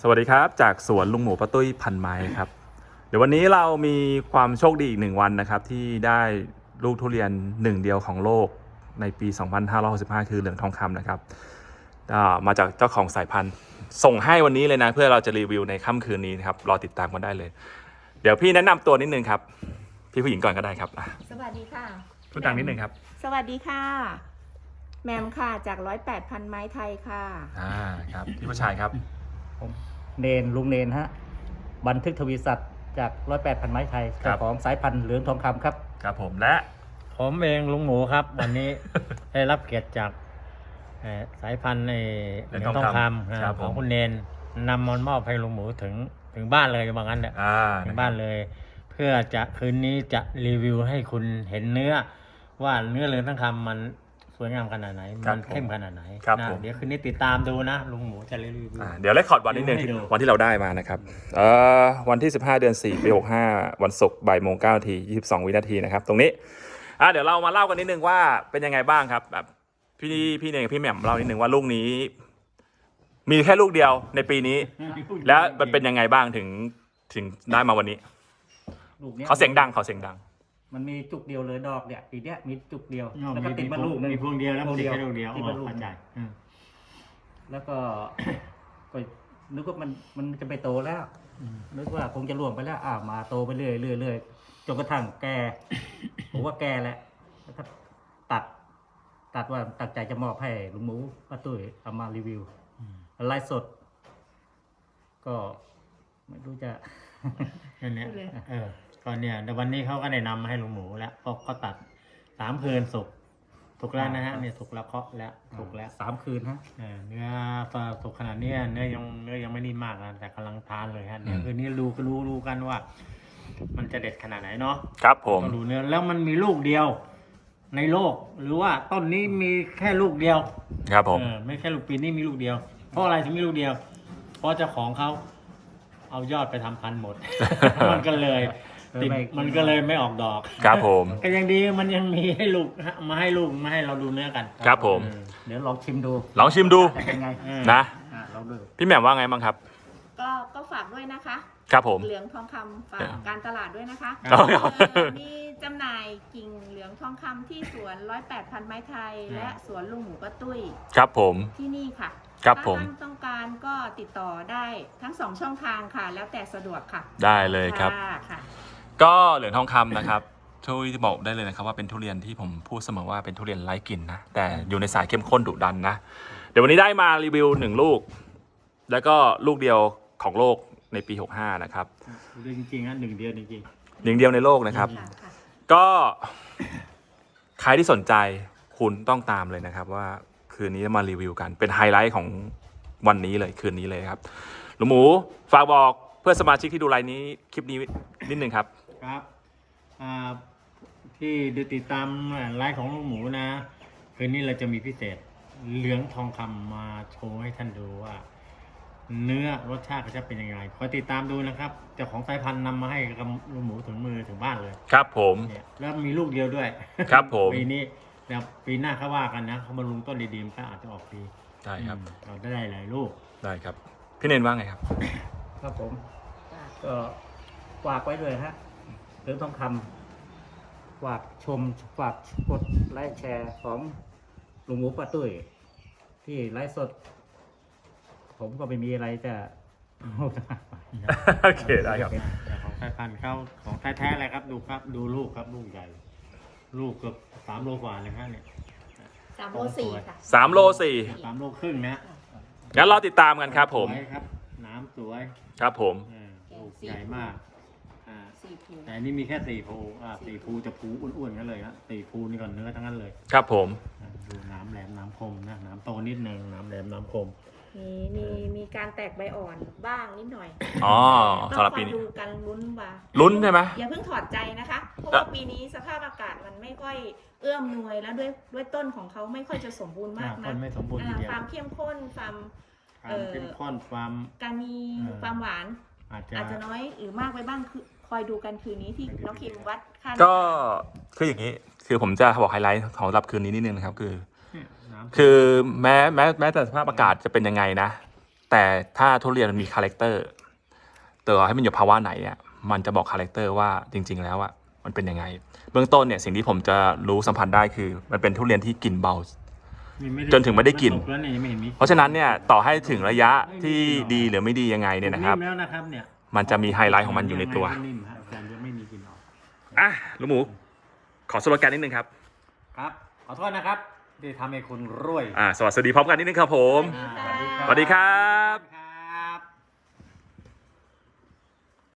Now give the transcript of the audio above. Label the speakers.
Speaker 1: สวัสดีครับจากสวนลุงหมูป้าตุ้ยพันไม้ครับเดี๋ยววันนี้เรามีความโชคดีอีก1 วันนะครับที่ได้ลูกทุเรียนหนึ่งเดียวของโลกในปี 2565 คือเหลืองทองคำนะครับมาจากเจ้าของสายพันธุ์ส่งให้วันนี้เลยนะเพื่อเราจะรีวิวในค่ำคืนนี้นะครับรอติดตามกันได้เลยเดี๋ยวพี่แนะนำตัวนิดนึงครับพี่ผู้หญิงก่อนก็ได้ครับ
Speaker 2: สวัสดีค่ะ
Speaker 1: พูดดังนิดนึงครับ
Speaker 2: สวัสดีค่ะแมมค่ะจาก108พันไม้ไทยค่ะ
Speaker 1: ครับพี่ผู้ชายครับ
Speaker 3: ผมลุงเนนฮะบันทึกทวีศัตร์จาก108พันไม้ไทยเจ้าของสายพันธุ์เหลืองทองคำครับ
Speaker 1: ครับผมและ
Speaker 4: ผมเองลุงหมูครับวันนี้ ได้รับเกียรติจากสายพันธุ์เหลืองทองคำของคุณเนนนำมอบให้ลุงหมูถึงบ้านเลยว่างั้นแหละถึงบ้านเลย เพื่อจะคืนนี้จะรีวิวให้คุณเห็นเนื้อว่าเนื้อเหลืองทองคำมันสวยงามขนาดไหนมันเข้มขนาดไหนนะเดี๋ยวคืนนี้ติดตามดูนะลุงหมูจะรีวิว
Speaker 1: เดี๋ยวเลคคอร์ดวันนิดนึงวันที่เราได้มานะครับวันที่15 เดือน 4 ปี 65วันศุกร์บ่ายโมง9 นาที 22 วินาทีนะครับตรงนี้เดี๋ยวเรามาเล่ากันนิดนึงว่าเป็นยังไงบ้างครับแบบพี่เนยกับพี่แหม่มเล่านิดนึงว่าลูกนี้มีแค่ลูกเดียวในปีนี้แล้วมันเป็นยังไงบ้างถึงได้มาวันนี้เขาเสียงดัง
Speaker 3: มันมีจุกเดียวเลยดอกเนี่ยปีเนี้ยมีจุกเดียวแล้วก็ติดมาลูก
Speaker 4: มีพวงเดียวแล้วมันติดแค่ลูกเดียว
Speaker 3: ติดมาลูกใหญ่แล้วก็นึกว่ามันจะไปโตแล้วนึกว่าคงจะล่วงไปแล้วมาโตไปเรื่อยจนกระทั่งแก่ผมว่าแก่แล้วก็ตัดว่าตั้งใจจะมอบให้ลุงหมูป้าตุ้ยเอามารีวิวไลฟ์สดก็ไม่รู้จะ
Speaker 4: นั่นเนี่ยก็เนี่ยในวันนี้เขาก็ได้นำมาให้ลุงหมูแล้วก็ตัด3 คืนสุกแล้วนะฮะเนี่ยสุกแล้วเคาะแล้วสุกแล้ว
Speaker 3: 3 คืนฮะ
Speaker 4: เนื้อสุกขนาดนี้เนื้อยังไม่นิ่มมากนะแต่กำลังทานเลยฮะเนี่ยคืนนี้รู้กันว่ามันจะเด็ดขนาดไหนเนาะ
Speaker 1: ครับผม
Speaker 4: ก็ดูเนื้อแล้วมันมีลูกเดียวในโลกหรือว่าต้นนี้มีแค่ลูกเดียว
Speaker 1: ครับผม
Speaker 4: ไม่แค่ลูกปีนี้มีลูกเดียวเพราะอะไรถึงมีลูกเดียวเพราะเจ้าของเขาเอายอดไปทำพันธุ์หมด มันก็เลยไม่ออกดอก
Speaker 1: ครับผม
Speaker 4: ก็ยังดีมันยังมีให้ลูกมาให้เราดูเนื้อกัน
Speaker 1: ครับผม
Speaker 3: เดี๋ยวลองชิมดู
Speaker 1: เป็นไงนะ
Speaker 3: ลองดู
Speaker 1: พี่แหม่มว่าไงบ้างครับ
Speaker 2: ก็ฝากด้วยนะคะ
Speaker 1: ครับผม
Speaker 2: เหลืองทองคำฝากการตลาดด้วยนะคะมีจำหน่ายกิ่งเหลืองทองคำที่สวน108พันไม้ไทยและสวนลุงหมูป้าตุ้ย
Speaker 1: ครับผม
Speaker 2: ที่นี่ค่ะ
Speaker 1: ครับผม
Speaker 2: ถ้าท่านต้องการก็ติดต่อได้ทั้ง2 ช่องทางค่ะแล้วแต่สะดวกค่ะ
Speaker 1: ได้เลยครับ
Speaker 2: ค่ะ
Speaker 1: ก็เหลืองทองคำนะครับช่วยบอกได้เลยนะครับว่าเป็นทุเรียนที่ผมพูดเสมอว่าเป็นทุเรียนไร้กลิ่นนะแต่อยู่ในสายเข้มข้นดุดันนะเดี๋ยววันนี้ได้มารีวิว1 ลูกแล้วก็ลูกเดียวของโลกในปี65นะครับ
Speaker 4: จริงๆนะ1 เดียวจริง
Speaker 1: ๆ1 เดียวในโลกนะครับก็ใครที่สนใจคุณต้องตามเลยนะครับว่าคืนนี้มารีวิวกันเป็นไฮไลท์ของวันนี้เลยคืนนี้เลยครับลุงหมูฝากบอกเพื่อนสมาชิกที่ดูไลน์นี้คลิปนี้นิดนึงครับ
Speaker 4: ที่ดูติดตามไลฟ์ของลุงหมูนะคืนนี้เราจะมีพิเศษเหลืองทองคำมาโชว์ให้ท่านดูว่าเนื้อรสชาติจะเป็นยังไงคอยติดตามดูนะครับเจ้าของสายพันธุ์นำมาให้กับลุงหมูถึงมือถึงบ้านเลย
Speaker 1: ครับผม
Speaker 4: แล้วมีลูกเดียวด้วย
Speaker 1: ครับผม
Speaker 4: ปีนี้แล้วปีหน้าเขาว่ากันนะเขามาลุงต้นดีๆก็อาจจะออกปี
Speaker 1: ได้ครับ
Speaker 4: เราได้หลายลูก
Speaker 1: ได้ครับพี่เนนว่าไงครับ
Speaker 3: ครับผมก็ฝากไว้เลยฮะเหลืองทองคำฝากกดไลค์แชร์ของลุงหมูป้าตุ้ยที่ไลฟ์สดผมก็ไม่มีอะไรจะ
Speaker 1: โอเคได้ครับ
Speaker 4: ของสายพันธุ์เข้าของแท้ๆเลยครับดูครับดูลูกครับลูกใหญ่ลูกเกือบ3 โลกว่าเลยครับเนี่ย
Speaker 2: 3 โล 4ค่ะ
Speaker 1: 3 โล 4
Speaker 4: 3 โลครึ่งนะ
Speaker 1: งั้นเราติดตามกันครับผม
Speaker 4: ครับน้ำสวย
Speaker 1: ครับผม
Speaker 4: ลูกใหญ่มากแต่นี่มีแค่4 ภู4 ภูจะภูอ้วนๆกันเลยนะ4 ภูนี่ก่อนเนื้อทั้งนั้นเลย
Speaker 1: ครับผม
Speaker 4: ดูน้ำแหลมน้ำคมนะน้ำโตนิดนึงน้ำแหลมน้ำคม
Speaker 2: มีการแตกใบอ่อนบ้างนิดหน่อย
Speaker 1: สำหรับปีนี้
Speaker 2: ดูกัน
Speaker 1: ลุ้นใช่ไหม
Speaker 2: อย่าเพิ่งถอดใจนะคะเพราะว่าปีนี้สภาพอากาศมันไม่ค่อยเอื้อมหน่วยแล้วด้วยต้นของเขาไม่ค่อยจะสมบูรณ์มากนะความเข้มข้นความการมีความหวานอาจจะน้อยหรือมากไปบ้างคือคอยดูกันคืนนี้ที่น้องคิมวัดค่า
Speaker 1: ก็คืออย่างนี้คือผมจะบอกไฮไลท์ของรับคืนนี้นิดนึงนะครับคือแม้แต่สภาพอากาศจะเป็นยังไงนะแต่ถ้าทุเรียนมันมีคาแรคเตอร์ต่อให้มันอยู่ภาวะไหนอ่ะมันจะบอกคาแรคเตอร์ว่าจริง ๆ แล้วอ่ะมันเป็นยังไงเบื้องต้นเนี่ยสิ่งที่ผมจะรู้สัมผัสได้คือมันเป็นทุเรียนที่กลิ่นเบาจนถึงไม่ได้กลิ่นเพราะฉะนั้นเนี่ยต่อให้ถึงระยะที่ดีหรือไม่ดียังไงเนี่ยนะครับ
Speaker 4: แล้วนะครับเนี่ย
Speaker 1: มันจะมีไฮไลท์ของมันอยู่ในตัว
Speaker 4: นิ่มครับแต่ยังไม่มีกลิ่นออก
Speaker 1: อ่ะลุงหมูขอสโลแกนนิดนึงครับ
Speaker 4: ครับขอโทษนะครับที่ทำให้คุณรวย
Speaker 1: สวัสดีพร้อมกันนิดนึงครับผม
Speaker 2: สวัสดีค่ะ
Speaker 1: สวัสดีครับ
Speaker 4: ครับ